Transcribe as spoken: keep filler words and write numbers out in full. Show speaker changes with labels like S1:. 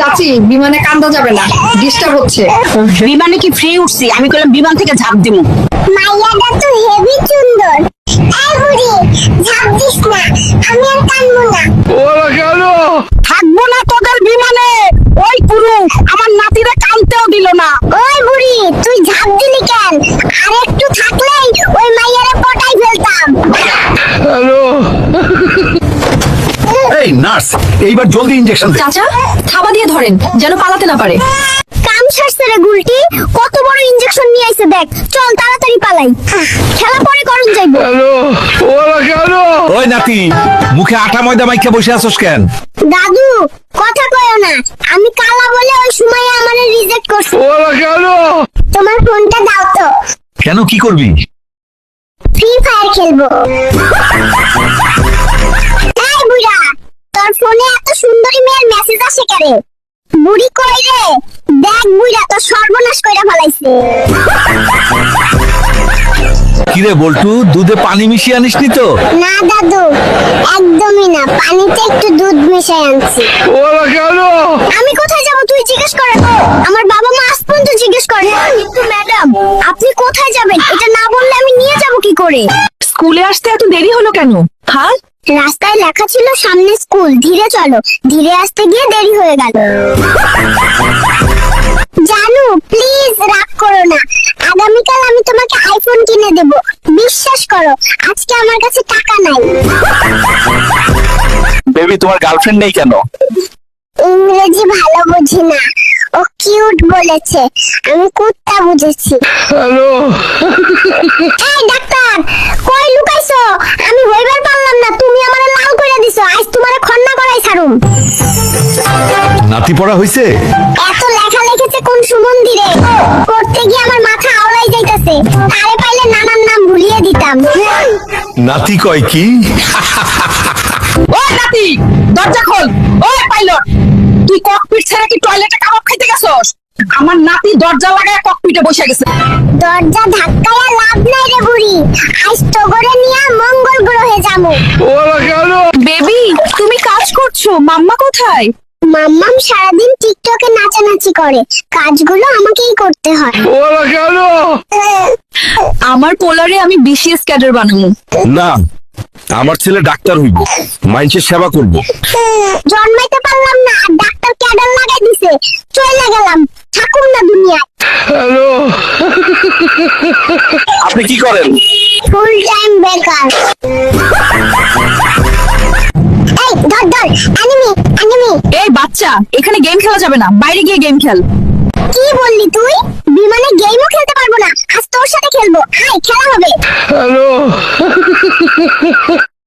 S1: চাচি বিমানে কান্দা যাবে না, ডিস্টার্ব হচ্ছে।
S2: বিমানে কি ফ্রি উঠছি? আমি কইলাম বিমান থেকে ঝাঁপ দিমু।
S3: মাইয়াটা তো হেভি সুন্দর। এই বুড়ি ঝাঁপ দিস না, আমি আর কানবো না।
S4: ওরা কেন?
S2: থাকবো না তোদের বিমানে। ওই পুরু আমার নাতিরে কানতেও দিল না।
S3: ওই বুড়ি তুই ঝাঁপ দিলি কেন? আর একটু থাকলেই ওই মাইয়ারে পটাই ফেলতাম।
S4: হ্যালো,
S5: এই নার্স, এইবার জলদি ইনজেকশন দে।
S1: চাচা থাবা দিয়ে ধরেন যেন পালাতে না পারে।
S3: কাম সারছে রে গুলটি, কত বড় ইনজেকশন নিয়ে আইছে দেখ। চল তাড়াতাড়ি পালাই, খেলা পরে করুন যাইবো।
S4: হ্যালো, ওরা কেন?
S5: ওই নাতি, মুখে আটা ময়দা মাইখা বসে আছোস কেন?
S3: দাদু কথা কয়ও না, আমি কালা বলে ওই সময় আমারে রিজেক্ট করছে।
S4: ওরা কেন?
S3: তোমার ফোনটা দাও তো,
S5: কেন, কি করবি?
S3: ফ্রি ফায়ার খেলবো। এই বুড়া, তোর ফোনে এত সুন্দরী মেয়ের মেসেজ আসে কেন? বুড়ি কই রে? দেখ বুড়া তোর সর্বনাশ কইরা ফেলাইছে।
S5: কিরে বল্টু, দুধে পানি মিশিয়ে আনিসনি তো?
S3: না দাদু, একদমই না, পানিতে একটু দুধ মিশাই আনছি।
S4: ওরা কেন?
S3: আমি কোথায় যাব তুই জিজ্ঞেস করে? আমার বাবা মা আজ পর্যন্ত জিজ্ঞেস করে। কিন্তু ম্যাডাম আপনি কোথায় যাবেন এটা না বললে আমি নিয়ে যাব কি করে?
S1: স্কুলে আসতে এত দেরি হলো কেন? হ্যাঁ,
S3: রাস্তায় লেখা ছিল সামনে স্কুল, ধীরে চলো। ধীরে আসতে গিয়ে দেরি হয়ে গেল। জানু প্লিজ রাগ করো না, আগামীকাল আমি তোমাকে আইফোন কিনে দেব। বিশ্বাস করো আজকে আমার কাছে টাকা নাই।
S5: বেবি, তোমার গার্লফ্রেন্ড নেই কেন?
S3: ইংরেজি ভালো বুঝি না, ও কিউট বলেছে, আমি কুত্তা বুঝেছি।
S4: হ্যালো,
S3: এই ডাক্তার কই লুকাইছো? আমি হইবার পারলাম না, তুমি আমারে লাল কইরা দিছো। আজ তোমারে খন্না করাই ছাড়ুম।
S5: নাতি পড়া হইছে?
S3: এত লেখা লিখেছে কোন সুমন্দিরে, পড়তে গিয়ে আমার মাথা আওলাই যাইতাছে। তারে পাইলে নানান নাম ভুলিয়ে দিতাম।
S5: নাতি কয় কি?
S2: ওই নাতি দরজা খোল। ওই পাইলট, তুই ককপিট ছেড়ে কি টয়লেটে কাবাব খাইতে গেছস? আমার নাতি দরজা লাগায় ককপিটে বসে গেছে।
S3: দরজা ধাক্কায়া লাভ নাই রে বুড়ি, আজ তোগরে নিয়া মঙ্গল গ্রহে যামু।
S4: ওরা কেন?
S1: বেবি তুমি কাজ করছো, মাম্মা কোথায়?
S3: মাম্মাম সারাদিন টিকটকে নাচানাচি করে, কাজগুলো আমাকেই করতে হয়।
S4: ওরা কেন?
S1: আমার পোলারে আমি বিসিএস ক্যাডার বানাবো।
S5: না, আমার ছেলে ডাক্তার হইব, মানুষের সেবা করব।
S3: জন্মাইতে পারলাম না আর ডাক্তার ক্যাডার লাগাই দিছে, চলে গেলাম, থাকুম না দুনিয়ায়।
S4: হ্যালো,
S5: আপনি কি করেন?
S3: ফুল টাইম বেকার। এই ধর ধর, অ্যানিমি অ্যানিমি।
S1: এই বাচ্চা, এখানে গেম খেলা যাবে না, বাইরে গিয়ে গেম খেল।
S3: কি বললি তুই? বিমানে গেমও খেলতে পারবো না, আজ তোর সাথে খেলবো। আয় খেলা হবে।
S4: হ্যালো।